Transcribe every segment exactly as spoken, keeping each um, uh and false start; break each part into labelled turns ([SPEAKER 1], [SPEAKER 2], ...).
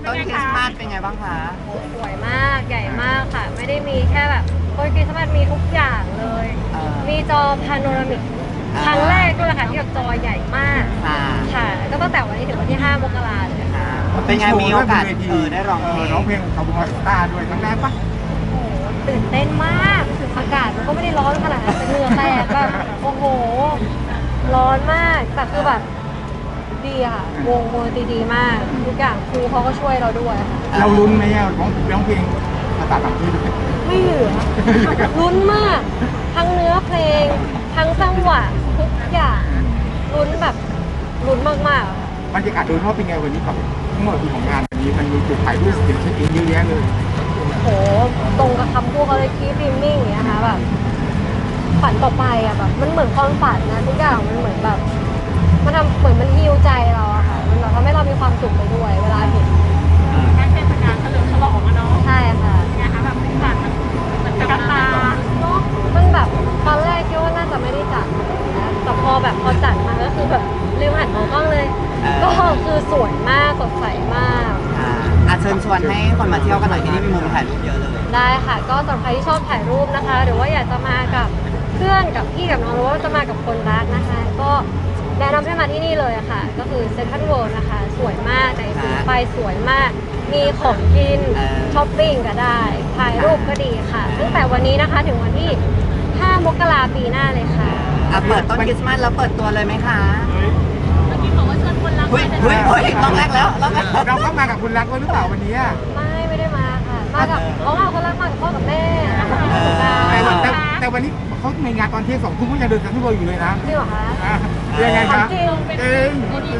[SPEAKER 1] ต้นคริสต์มาสเป็นไงบ้างคะ
[SPEAKER 2] สวยมากใหญ่มากค่ะไม่ได้มีแค่แบบต้นคริสต์มาสมีทุกอย่างเลยมีจอพาโนรามิกครั้งแรกด้วยค่ะที่แบบจอใหญ่มากค่ะก็ตั้งแต่วันนี้ถึงวันที่ห้ามกราเลยค่ะ
[SPEAKER 1] เป็นไงมีโอกาสเออได้ร้องเพลง
[SPEAKER 3] ร้องเพลงคาร์บอนสตาร์ด้วยครั้งแรกปะ
[SPEAKER 2] โอ้โหตื่นเต้นมากอากาศมันก็ไม่ได้ร้อนขนาดนั้นแต่เหงื่อแตกแบบโอ้โหร้อนมากแต่คือแบบดีค่ะวงวงดีดีมากทุกอย่างครูเขาก็ช่วยเราด้วย
[SPEAKER 3] เราลุ้นไหมอ่ะร้องร้องเพลงภาษาต่างประเทศด้วย
[SPEAKER 2] ไม่เหลือลุ้นมากทั้งเนื้อเพลงทั้งจังหวะทุกอย่างลุ้นแบบลุ้นมากๆ
[SPEAKER 3] บรรยากาศโดยรอบเป็นไงวันนี้ครับทั้งหมดของงานวันนี้มันมีจุดถ่ายรูปเช็คอินเยอะแยะเลย
[SPEAKER 2] โหตรงกับคำพูดเขาเลยคีฟิมมิ่งอย่างเงี้ยค่ะแบบฝันต่อไปอ่ะแบบมันเหมือนความฝันนะทุกอย่างมันเหมือนแบบมันทำเหมือนมันฮิวใจเราอะค่ะมันแบบทำให้เรามีความสุขไปด้วยเวลาเห็น
[SPEAKER 4] งานเทศกาลเฉลิมฉลองอะเนาะ
[SPEAKER 2] ใช่ค่ะ
[SPEAKER 4] ไงคะแบบสีสันมันเหมือนกระตา
[SPEAKER 2] เนาะมันแบบตอนแรกคิดว่าน่าจะไม่ได้จัดนะแต่พอแบบพอจัดมาก็คือแบบลืมหันมองกล้องเลยก็คือสวยมากสดใสมาก
[SPEAKER 1] อ่ะเชิญชวนให้คนมาเที่ยวกันหน่อยที่นี่มีมุมถ่ายรูปเยอะเลย
[SPEAKER 2] ได้ค่ะก็สำหรับใครที่ชอบถ่ายรูปนะคะหรือว่าอยากจะมากับเพื่อนกับพี่กับน้องหรือว่าจะมากับคนรักนะคะก็แนะนำให้มาที่นี่เลยค่ะก็คือเซ็นทรัลเวิลด์นะคะสวยมากแต่สีไฟสวยมากมีของกินช้อปปิ้งก็ได้ถ่ายรูปก็ดีค่ะตั้งแต่วันนี้นะคะถึงวันที่ห้ามกราปีหน้าเลยค่ะ
[SPEAKER 1] อ่ะเปิดต้นคริสต์มาสแล้วเปิดตัวเลยไหมคะ
[SPEAKER 4] เมื่อกี้บอกว่าเชิญคนรัก
[SPEAKER 1] เฮ้ยเฮ้ยเฮ้ยต้องแรกแล้วต้องแรก
[SPEAKER 3] เราเข้ามากับคุณรักหรือเปล่าวันนี้
[SPEAKER 2] ไม่ไม่ได้มาค่ะมากับเขาเอาคนรักมากับพ่อกับแม่
[SPEAKER 3] แต่แต่วันนี้เขาในงานตอนเที่ยงสองทุ่มก็ยังเดินกันที่เบอร์อยู่เลยนะ
[SPEAKER 2] จริงเหรอคะ
[SPEAKER 3] ยังไงคะ
[SPEAKER 2] จริง
[SPEAKER 3] จริง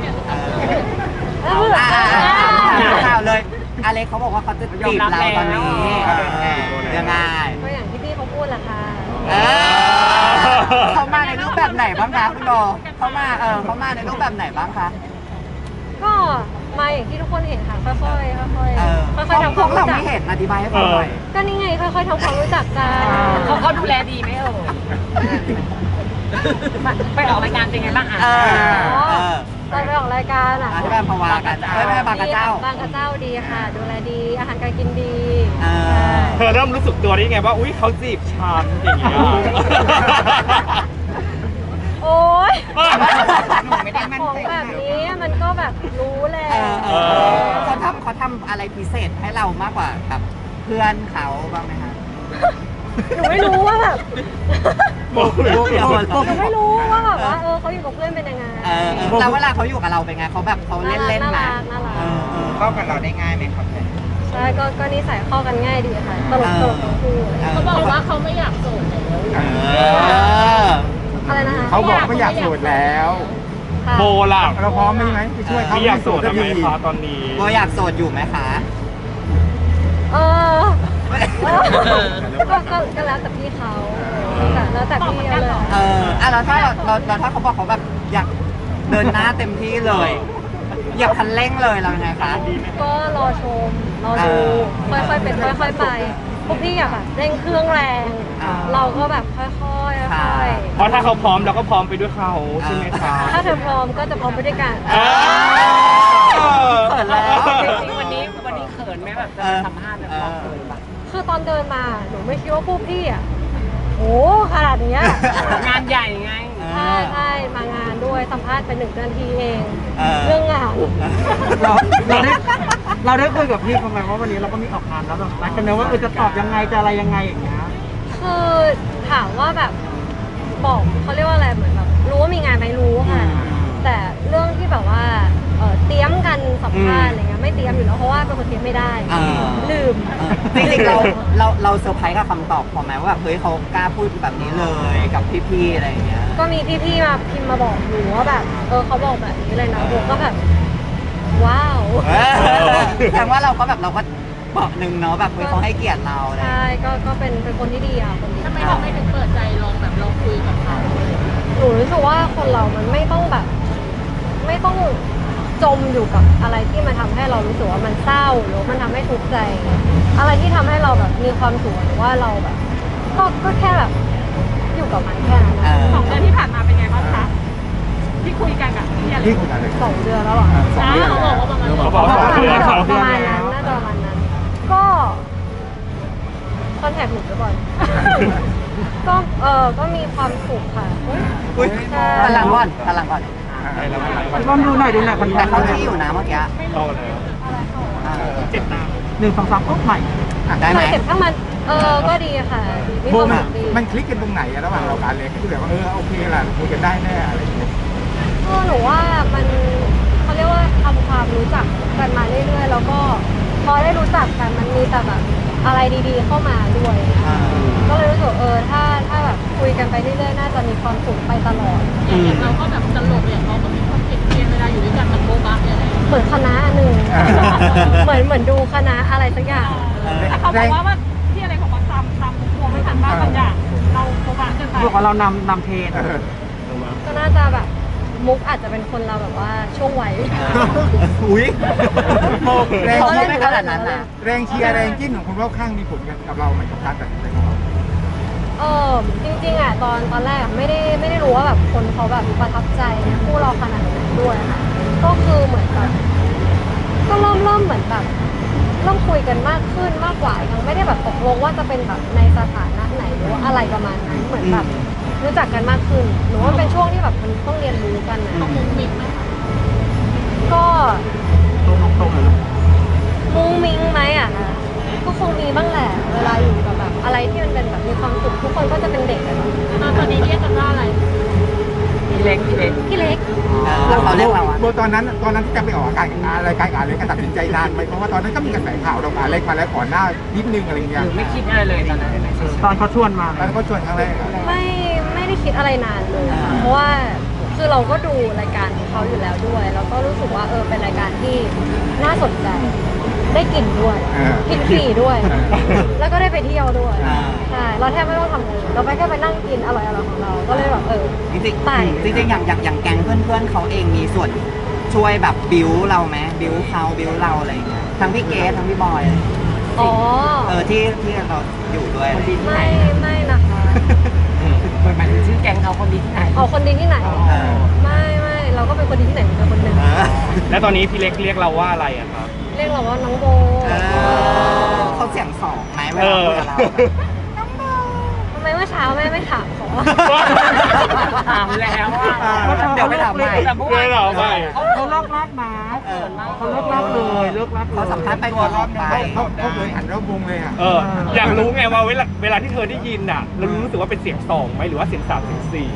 [SPEAKER 1] ข่าวเลยอเล็กเขาบอกว่าเขาจะจีบเราตอนนี้ยังไง
[SPEAKER 2] ก็อย่างที่พี่เขาพูดแหละค่ะ
[SPEAKER 1] เขามาในรูปแบบไหนบ้างคะคุณโบเขามาเออเขามาในรูปแบบไหนบ้างคะ
[SPEAKER 2] ก็มาอย่างที่ทุกคนเห็นค่ะค่อยๆค่อยๆค่อยๆทำความ
[SPEAKER 1] รู้จักเราไม่เห็นอธิบายให้ฟังหน่อย
[SPEAKER 2] ก็นี่ไงค่อยๆทำความรู้จักกัน
[SPEAKER 4] เขาเขาดูแลดีไหมเออไปออกรายการเป็นไงบ้างอ่ะ
[SPEAKER 2] ตอนไปออกรายการอ่ะ
[SPEAKER 1] ที่บ้านพวากันไม่ไม่บางกระเจ้า
[SPEAKER 2] บางกระเจ้าดีค่ะดูแลดีอาหารการกินดี
[SPEAKER 5] เธอเริ่มรู้สึกตัวได้ไงว่าอุ้ยเขาจีบฉันอย่างเงี้ย
[SPEAKER 2] โอ๊ยของแบบนี้มันก็แบบรู้แหละ
[SPEAKER 1] เขาทำเขาทำอะไรพิเศษให้เรามากกว่ากับเพื่อนเขาบ้างไหมคะ
[SPEAKER 2] หนูไม่รู้ว่าแบบหนูไม่รู้ว่าแบบว่าเออเขาอยู่กับเพื่อนเป็นยังไง
[SPEAKER 1] แล้วเวลาเขาอยู่กับเราเป็นไงเขาแบบเขาเล่นเล่นมาเข้ากับเราได้ง่ายไหมครับ
[SPEAKER 2] ใช่ก็ก็นิสัยเข้ากันง่ายดีค่ะตลกตลกทั้งคู่
[SPEAKER 4] เขาบอกว่าเขาไม่อยากโสดแล้ว
[SPEAKER 2] อะไรนะคะ
[SPEAKER 3] เขาบอกไม่อยากโสดแล้ว
[SPEAKER 5] โบล่ะ
[SPEAKER 3] เราพร้อมไหมไหมไปช่วยเขา
[SPEAKER 5] อยากโสดไหมคะตอนนี้
[SPEAKER 1] โบอยากโสดอยู่ไหมคะ
[SPEAKER 2] เออก็ก็แล้วแต่พี่เขาแล้วแต่พี่เลย
[SPEAKER 1] เอออ่ะแล้วถ้าเราเราถ้าเขาบอกเขาแบบอยากเดินหน้าเต็มที่เลยอยากคันเร่งเลยเราไงคะ
[SPEAKER 2] ก็รอชมรอดูค่อยๆเป็นค่อยๆไปพวกพี่อยากแบบเร่งเครื่องแรงเราก็แบบค่อยๆค่อย
[SPEAKER 5] ๆเพราะถ้าเขาพร้อมเราก็พร้อมไปด้วยเขาใช่ไหมคะ
[SPEAKER 2] ถ้าเธอพร้อมก็จะพร้อมไปด้วยกัน
[SPEAKER 1] เขินแล้ว
[SPEAKER 4] วันนี้วันนี้เขินไหมแบบจะสัมภาษณ์แบบเราเขินปะ
[SPEAKER 2] คือตอนเดินมาหนูไม่คิดว่าพวกพี่อ่ะโอ้ขนาดนี้
[SPEAKER 4] งานใหญ่ไง
[SPEAKER 2] ใช่ใช่มางานด้วยสัมภาษณ์ไปหนึ่งนาทีเองเรื่องงาน
[SPEAKER 3] เราเราได้เราได้คุยกับพี่เขาไหมว่าวันนี้เราก็มีออกงานแล้วแบบนัดกันนะว่าเออจะตอบยังไงจะอะไรยังไงอย่างเงี้ย
[SPEAKER 2] คือถามว่าแบบบอกเขาเรียกว่าอะไรเหมือนแบบรู้ว่ามีงานไหมรู้ค่ะแต่เรื่องที่แบบว่าเตรียมกันสัมภาษณ์อะไรเงี้ยไม่เตรียมอยู่แล้วเพราะว่าเป็นคนเตรียมไม่ได้ลืม
[SPEAKER 1] จริงๆเราเราเราเซอร์ไพรส์กับคำตอบพอไหมว่าแบบเฮ้ยเขากล้าพูดแบบนี้เลยกับพี่ๆอะไรอย่างเงี้ย
[SPEAKER 2] ก็มีพี่ๆมาพิมพ์มาบอกหนูว่าแบบเออเขาบอกแบบนี้เลยนะหนูก็แบบว้าว
[SPEAKER 1] แสดงว่าเราก็แบบเราก็บอกหนึ่งเนาะแบบเขาให้เกียรติเรา
[SPEAKER 2] ใช่ก็ก็เป็นเป็นคนที่ดีอ่ะคนที่
[SPEAKER 4] ทำไมเราไม่ถึงเปิดใจลองแบบลองคุยกับเขา
[SPEAKER 2] หนูรู้สึกว่าคนเรามันไม่ต้องแบบไม่ต้องจมอยู่กับอะไรที่มันทำให้เรารู้สึกว่ามันเศร้าหรือมันทำให้ทุกข์ใจอะไรที่ทำให้เราแบบมีความสุขหรือว่าเราแบบก็ก็แค่แบบอยู่กับมันแค่นั้น
[SPEAKER 4] สองเดือนที่ผ่านมาเป็นไงบ้างคะที่คุยกันกับพี่อะไร
[SPEAKER 6] ที่คุยกันเลย
[SPEAKER 2] สองเดือนแล้วเหรอ
[SPEAKER 6] สองเดือน
[SPEAKER 4] เขาบอกว่าประมาณ
[SPEAKER 5] เขาบอกว่าสองเดือน
[SPEAKER 2] ประมาณนั้นน่าจะประมาณนั้น ก็คอนแทคหนูไปก่อน ก็เออก็มีความสุขค่ะ
[SPEAKER 1] อุ้ย
[SPEAKER 2] ใช่
[SPEAKER 1] พลังก่อนพลังก่อน
[SPEAKER 3] มันก็ดูหน่อยดูหน่อยมัน
[SPEAKER 1] แต่เขาที่อยู่นะเมื่อกี้
[SPEAKER 5] เข้ากันแล้ว
[SPEAKER 1] อ่า
[SPEAKER 5] เจ็บตาม
[SPEAKER 3] หนึ่งสองสามปุ๊บใหม่
[SPEAKER 1] ได้ไหม
[SPEAKER 2] เจ็บข้างมัน เออ ก็ดีค่ะดีมี
[SPEAKER 6] โบ
[SPEAKER 2] ความ
[SPEAKER 6] มัน
[SPEAKER 2] สุขดี
[SPEAKER 6] มันคลิกกันตรงไหนอะระหว่างเรากับอเล็กที่แบบว่าเออโอเคล่ะคุยกันได้แน่อะไรอย่างเงี้ย
[SPEAKER 2] ก็หนูว่ามันเขาเรียกว่าทำความรู้จักกันมาเรื่อยๆ แล้วก็พอได้รู้จักกันมันมีแต่แบบอะไรดีๆเข้ามาด้วย
[SPEAKER 1] อ่า
[SPEAKER 2] ก็เลยรู้สึกเออถ้าถ้าแบบคุยกันไปเรื่อยๆ น่าจะมีความสุขไปตลอด
[SPEAKER 4] อย่างเราก็แบบตลกอย่างเขาก็มีความเกลียดเวลาอยู่ด้วยกันมันโบ๊ะบะอะไร
[SPEAKER 2] เหมือนคณะหนึ่ง เหมือนเหมือนดูคณะอะไรสักอย่าง
[SPEAKER 4] แต่เขาบอกว่าว่าที่อะไรของมันตามตามกลัวไม่ทันบ้างบางอย่างเราโบ๊ะบะเกินไป
[SPEAKER 3] บอกว่าเรานำนำเทรน
[SPEAKER 6] เออ
[SPEAKER 2] ก็น่าจะแบบมุกอาจจะเป็นคนเราแบบว่าช่วงวัย
[SPEAKER 1] อุ้ย
[SPEAKER 6] แรง
[SPEAKER 1] เขา
[SPEAKER 6] เชีย
[SPEAKER 1] ไม่
[SPEAKER 6] ร์
[SPEAKER 1] ขนาดนั้นนะ
[SPEAKER 6] แรงเชียร์แรงจิ้นของคนรอบข้างมีผลกับเราไหมกับการตัดสินใจของเรา
[SPEAKER 2] เออจริงๆอ่ะตอนตอนแรกอะไม่ได้ไม่ได้รู้ว่าแบบคนเขาแบบประทับใจคู่เราขนาดไหนด้วยค่ะก็คือเหมือนแบบก็เริ่มเริ่มเหมือนแบบเริ่มคุยกันมากขึ้นมากกว่ายังไม่ได้แบบตกลงว่าจะเป็นแบบในสถานะไหนหรือว่าอะไรประมาณนั้นเหมือนแบบรู้จักกันมากขึ้นหนูว่ามันเป็นช่วงที่แบบมันต้องเรียนรู้กันนะ
[SPEAKER 4] มุ้งมิ้งไหม
[SPEAKER 2] ก็
[SPEAKER 3] ตรงตรงเลย
[SPEAKER 2] มุ้งมิ้งไหมอ่ะนะก็คงมีบ้างแหละเวลาอยู่กับแบบอะไรที่มันเป็นแบบมีความสุขทุกคนก็จะเป็นเด็กอะเนาะ
[SPEAKER 4] ตอนนี้เรียกกันว่าอะไร
[SPEAKER 1] พี่เล็กพี่เล็ก
[SPEAKER 2] พี่เล็ก
[SPEAKER 1] แล้วเขาเรียกเราอะ
[SPEAKER 6] โบตอนนั้นตอนนั้นที่จะไปออกอากาศกับรายการกับอเล็กก็ตัดสินใจนานไหมเพราะว่าตอนนั้นก็มีกระแสข่าวเรากับอเล็กมาแล้วก่อนหน้านิดนึงอะไรอย่างเงี้ย
[SPEAKER 4] ไม่คิดอะไรเลยตอนนั้น
[SPEAKER 3] ตอนเขาชวนมา
[SPEAKER 6] ตอนนั้นก็ชวนครั้งแรกอะ
[SPEAKER 2] ไม่ไม่ได้คิดอะไรนานเลยค่ะเพราะว่าคือเราก็ดูรายการของเขาอยู่แล้วด้วย แล้วก็รู้สึกว่าเออเป็นรายการที่น่าสนใจ ได้กินด้วย กินฟรีด้วย แล้วก็ได้ไปเที่ยวด้วย ใช่ เราแทบไม่ต้องทำอะไรเลยเราไปแค่ไปนั่งกินอร่อยๆของเรา ก็เลยแบบเออ
[SPEAKER 1] จริง
[SPEAKER 2] ไป
[SPEAKER 1] ๆจริงๆอย่างอย่างอย่างแก๊งเพื่อนๆเขาเองมีส่วนช่วยแบบบิวเราไหมบิวเขาบิวเราอะไรอย่างเงี้ยทั้งพี่เกสทั้งพี่บอยอะไรอย่างเงี้ย
[SPEAKER 2] อ๋อ
[SPEAKER 1] เออที่ที่เราอยู่ด้วยอะไรอย่างเงี้ย
[SPEAKER 2] ไม่ไม่นะคะ
[SPEAKER 4] หมายถึงชื่อแก๊งเขาคนดีที่ไหน
[SPEAKER 2] เอาคนดีที่ไหน
[SPEAKER 1] เออ
[SPEAKER 2] ไม่ไม่เราก็เป็นคนดีที่ไหนเหมือนกันคนหนึ่ง
[SPEAKER 1] เออ
[SPEAKER 5] แล้วตอนนี้พี่เล็กเรียกเราว่าอะไรอะครับ
[SPEAKER 2] เรียกเราว่าน้องโบ
[SPEAKER 1] เออเขาเสียงสองไหมเวลาคุยกับเราแบบ
[SPEAKER 2] ทำไมเมื่อเช้าแม่ไม่ถามขอ
[SPEAKER 4] ถามแล้วว่า
[SPEAKER 1] เดี๋ยวไปถามใหม่
[SPEAKER 4] แต่เมื่อ
[SPEAKER 5] เพื่
[SPEAKER 4] วา
[SPEAKER 5] อน นเราไม่
[SPEAKER 3] เขาเลิกลากมาเขาเลิกลากเลยเลิกลากเลย
[SPEAKER 1] เขาสัมภาษณ์ไปก่อนรอบนึง
[SPEAKER 6] เขาเขาเขาเคยหันรอบวงเลยอะ
[SPEAKER 5] เออ อยากรู้ไงว่าเวลาเวลาที่เธอได้ยินน่ะ เรารู้สึกว่าเป็นเสียงสองไหมหรือว่าเสียงสามเสียงสี่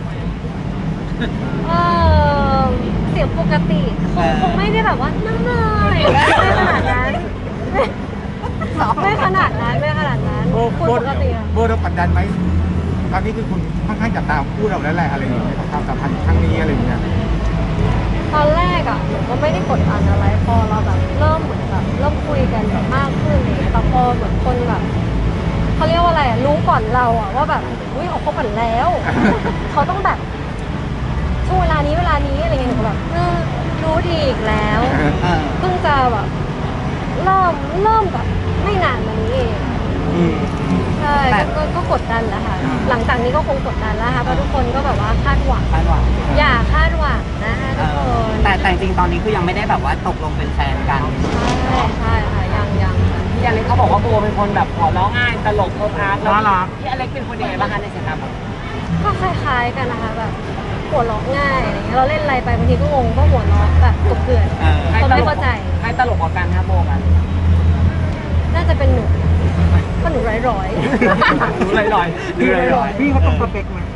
[SPEAKER 2] เออเสียงปกติคงคงไม่ได้แบบว่านั่งเลยไม่ขนาดนั้นไม่ขนาดนั้นไม่ขนาดนั้น
[SPEAKER 6] โบ
[SPEAKER 2] คุย
[SPEAKER 6] โบ
[SPEAKER 2] ปกติอะ
[SPEAKER 6] โบเรากดดันไหมตอนนี้คือคุณค่อนข้างจับตามคู่เราแล้วแหละอะไรอย่างเงี้ยความสัมพันธ์ครั้งนี้อะไรอย่างเงี้ย
[SPEAKER 2] ตอนแรกอ่ะหนูก็ไม่ได้กดดันอะไรพอเราแบบเริ่มเหมือนแบบเริ่มคุยกันแบบมากขึ้นอะไรอย่างเลยแต่พอเหมือนคนแบบเขาเรียกว่าอะไรอะรู้ก่อนเราอ่ะว่าแบบอุ้ยเขาคบกันแล้ว เขาต้องแบบช่วงเวลานี้เวลานี้อะไรเงี้ยหนูก็แบบเออรู้ดีอีกแล้ว
[SPEAKER 1] เออ
[SPEAKER 2] เพิ่งจะแบบเริ่มเริ่มแบบไม่นานมานี้เอง
[SPEAKER 1] อืม
[SPEAKER 2] ใช่
[SPEAKER 1] แต่
[SPEAKER 2] ก็ก็กดดันแล้วค่ะ
[SPEAKER 1] อ่า
[SPEAKER 2] หลังจากนี้ก็คงกดดันแล้วค่ะเพราะทุกคนก็แบบว่าคาดหวัง
[SPEAKER 1] คาดหวัง
[SPEAKER 2] อย่าคาดหวังนะคะ
[SPEAKER 1] เอ
[SPEAKER 2] ทุกค
[SPEAKER 1] อน แต่แต่จริงๆตอนนี้คือยังไม่ได้แบบว่าตกลงเป็นแฟนกัน
[SPEAKER 2] ใช่ใช่ค่ะยังยังค่ะ
[SPEAKER 4] พี่อเล็กเขาบอกว่าโบเป็นคนแบบหัวเราะง่ายตลกโคตรอาร์ตแล้ว
[SPEAKER 3] น่ารัก
[SPEAKER 4] พี่อเล็กเป็นคนยังไงบ้างคะในสายตาโบ
[SPEAKER 2] ก็คล้ายๆกันนะคะแบบหัวเราะง่ายอะไรเงี้ยเราเล่นอะไรไปบางทีก็งงก็หัวเราะแบบกบเกลื่อน
[SPEAKER 1] เออ
[SPEAKER 2] คนไม่เข้าใจ
[SPEAKER 4] ใครตลกกว่ากันคะโบกัน
[SPEAKER 2] น่าจะเป็นหนูก็หนูร้อยร้อย
[SPEAKER 4] รู้ลอยลอย
[SPEAKER 3] พี่พี่เขาต้องสเปคไหม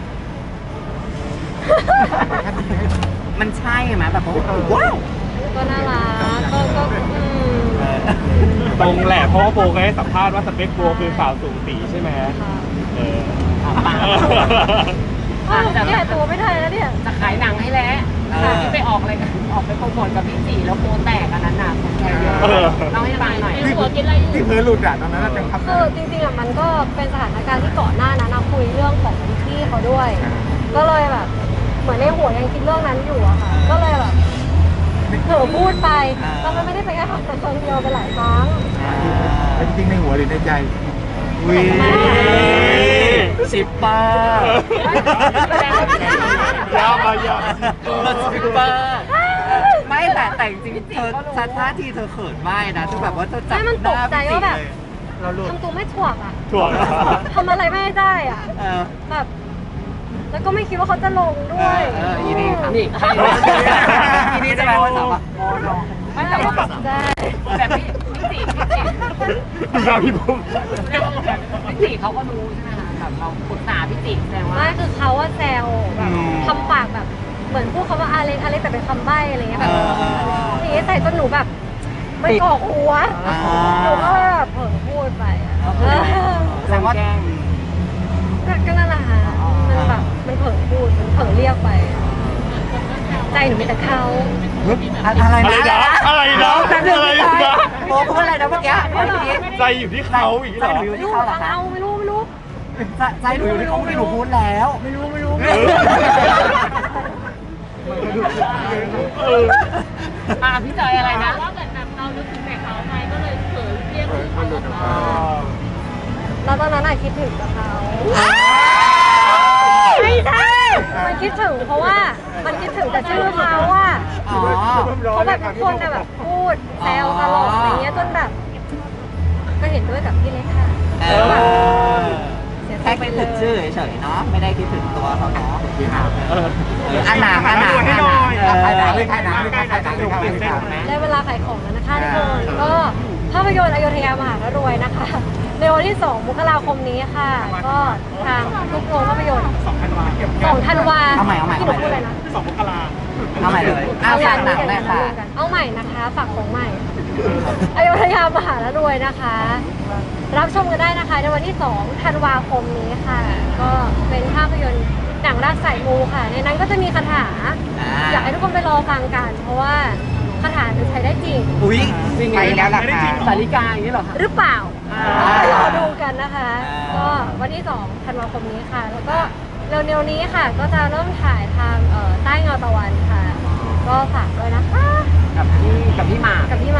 [SPEAKER 1] มันใช่ไหมแบบว่าว้าว
[SPEAKER 2] ก็น่ารักก็ก็อืม
[SPEAKER 1] เออ
[SPEAKER 5] ตรงแหละเพราะว่าโบเคยให้สัมภาษณ์ว่าสเปคโบคือสาวสูงสีใช่ไหม
[SPEAKER 2] ค่ะ
[SPEAKER 5] เออ
[SPEAKER 2] อ้าวแก้ตัวไม่ได้แล้วเนี่ย
[SPEAKER 4] จะขายหนังให้แล้วที่ไปออกอะไรกันออกไปโปรโมทกับพี่จีแล้วโบแตกอันนั้นน่ะคนแชร์เยอะเล่าให้ฟังหน่อย
[SPEAKER 6] ที่ที่เธอหลุดอะตอนนั้นเราจังทำ
[SPEAKER 2] คือจริงๆอ่ะมันก็เป็นสถานการณ์ที่ก่อนหน้านั้นนะคุยเรื่องของพี่เขาด้วย ก็เลยแบบ เหมือนในหัวยังคิดเรื่องนั้นอยู่อะค่ะ ก็เลยแบบเผลอพูดไปแล้วมันไม่ได้เป็นแค่ครั้งเดียวเป็นหลายครั้ง
[SPEAKER 6] จริงๆในหัวหรือในใจ
[SPEAKER 1] วิ
[SPEAKER 2] ไม่
[SPEAKER 1] ชิปเปอร์
[SPEAKER 5] ยาวมายาว
[SPEAKER 1] ชิปเปอร์ไม่แต่แต่จริงๆเธอท่าทีเธอเขินไม่นะคือแบบว่าเธอจับ
[SPEAKER 2] ไม่มัน
[SPEAKER 1] ห
[SPEAKER 2] ต
[SPEAKER 1] น้าก
[SPEAKER 2] ใจ
[SPEAKER 1] พี่
[SPEAKER 2] ว่าแบบ
[SPEAKER 1] เลย
[SPEAKER 3] เราหลุด
[SPEAKER 2] ทำตัวไม่ถ่วงอ่ะ
[SPEAKER 5] ถ่วง
[SPEAKER 2] ทำอะไรไม่ได้อ่ะ
[SPEAKER 1] เออ
[SPEAKER 2] แบบ แล้วก็ไม่คิดว่าเขาจะลงด้วย
[SPEAKER 1] เอออีนี่ครับ
[SPEAKER 4] นี่
[SPEAKER 1] อีนี่จะแปลว่าสาวะ
[SPEAKER 4] ไม่แต่ว่าแบบ
[SPEAKER 2] ใช่
[SPEAKER 4] แต่พี่พี่จีพี่จี
[SPEAKER 5] ดูหน้าพี่บุ้ม
[SPEAKER 4] พี่จีเขาก็รู้ใช่ไหมคะแบบเราปรึกษาพี่จีแสดงว่า
[SPEAKER 2] ไม่คือเขาว่าแซวแบบทำปากแบบเหมือนพูดคำว่าอาเล็กอาเล็กแต่เป็นคำใบ้อะไรเงี้ยแบบอย่างเงี้ยใส่จนหนูแบบไม่กรอกหัวหนูก็เลยแบบเผลอพูดไปอ่ะเออ
[SPEAKER 1] แสดงว่า
[SPEAKER 2] ก็ก็นั่นแหละค่ะมันแบบมันเผลอพูดมันเผลอเรียกไป ใจหนูมีแต่เขา
[SPEAKER 1] อะไร
[SPEAKER 5] อะไร
[SPEAKER 1] นะ
[SPEAKER 5] นะอะไรนะ
[SPEAKER 1] แต่เรื่อง
[SPEAKER 5] อะไร
[SPEAKER 1] ไม่ได้
[SPEAKER 5] นะ
[SPEAKER 1] โบพูดอะไรนะเมื่อกี้เมื่อกี้
[SPEAKER 5] ใจอยู่ที่เขาอีกเหรอ
[SPEAKER 1] ใจอยู่
[SPEAKER 2] ไม่
[SPEAKER 1] ที่
[SPEAKER 2] รู้
[SPEAKER 1] เขาเหรอคะ
[SPEAKER 2] เอาไม่รู้ไม่รู้
[SPEAKER 1] ใจใจหนูอยู่ที่เขาที่หนูพูดแล้ว ไม่รู้ไม่รู้
[SPEAKER 5] เออ เออ
[SPEAKER 4] อ่าพี่จอยอะไรนะ
[SPEAKER 7] ว่าเหมือนแบบเรานึกถึงแต่เขาไงก็เลยเผลอเรียกชื่อเขาออกมา
[SPEAKER 2] แล้วตอนนั้นอะคิดถึงกับเขาไม่ใช่มันคิดถึงเพราะว่ามันคิดถึงแต่ชื่อเขาว่า
[SPEAKER 1] อ๋อ
[SPEAKER 2] เขาแบบทุกคนอะแบบพูดแซวตลกอะไรเงี้ยจนแบบ ก็เห็นด้วยกับพี่เล็กค่ะ
[SPEAKER 1] เอ
[SPEAKER 2] แล้วแบบ
[SPEAKER 1] อ
[SPEAKER 2] เสียใจ
[SPEAKER 1] แค่
[SPEAKER 2] ไป
[SPEAKER 1] คิด
[SPEAKER 2] เล
[SPEAKER 1] ถึงชื่
[SPEAKER 2] ย
[SPEAKER 1] อเฉยๆเนาะไม่ได้คิดถึงตัวเขาเนาะ
[SPEAKER 5] เออ
[SPEAKER 1] อันหนาอันหนา
[SPEAKER 5] ให้หน่อย
[SPEAKER 6] ใครหนังเลยใครหนังเลยใครหนังเลยใครหนังเลย
[SPEAKER 2] ได้เวลาขายของแล้วนะคะทุกคนก็ภาพยนตร์อโยธยามหารวยนะคะ ในวันที่สองมกราคมนี้ค่ะ ก็ทางทุกโรงภาพยนตร์
[SPEAKER 3] สองพันวา
[SPEAKER 2] สองธันวา
[SPEAKER 1] เอาใหม่เอาใหม่
[SPEAKER 2] ที่หนูพูดอะไรนะ
[SPEAKER 3] สองมกรา
[SPEAKER 1] เอาใหม่เลยอ้าวฝากหนังหน่อยค่ะ
[SPEAKER 2] เอาใหม่นะคะฝากของใหม่ อโยธยามหารวยนะคะ รับชมกันได้นะคะในวันที่สองธันวาคมนี้ค่ะ ก็เป็นภาพยนตร์หนังรักสายมูค่ะ ในนั้นก็จะมีคาถา อยากให้ทุกคนไปรอฟังกัน เพราะว่าคาถาจะใช้ได้จริง
[SPEAKER 1] อุ้ยไปแล้วล่ะค่ะ
[SPEAKER 4] สาริกาอย่างนี้เหรอคะ
[SPEAKER 2] หรือเปล่า
[SPEAKER 1] อ่า
[SPEAKER 2] ไปรอดูกันนะคะ
[SPEAKER 1] อ่า
[SPEAKER 2] ก็วันที่สองธันวาคมนี้ค่ะ แล้วก็เร็วๆนี้ค่ะ ก็จะเริ่มถ่ายทางเอ่อใต้เงาตะวันค่ะ ก็ฝากด้วยนะคะ
[SPEAKER 4] กับพี่กับพี่หมาก
[SPEAKER 2] กับพี่หม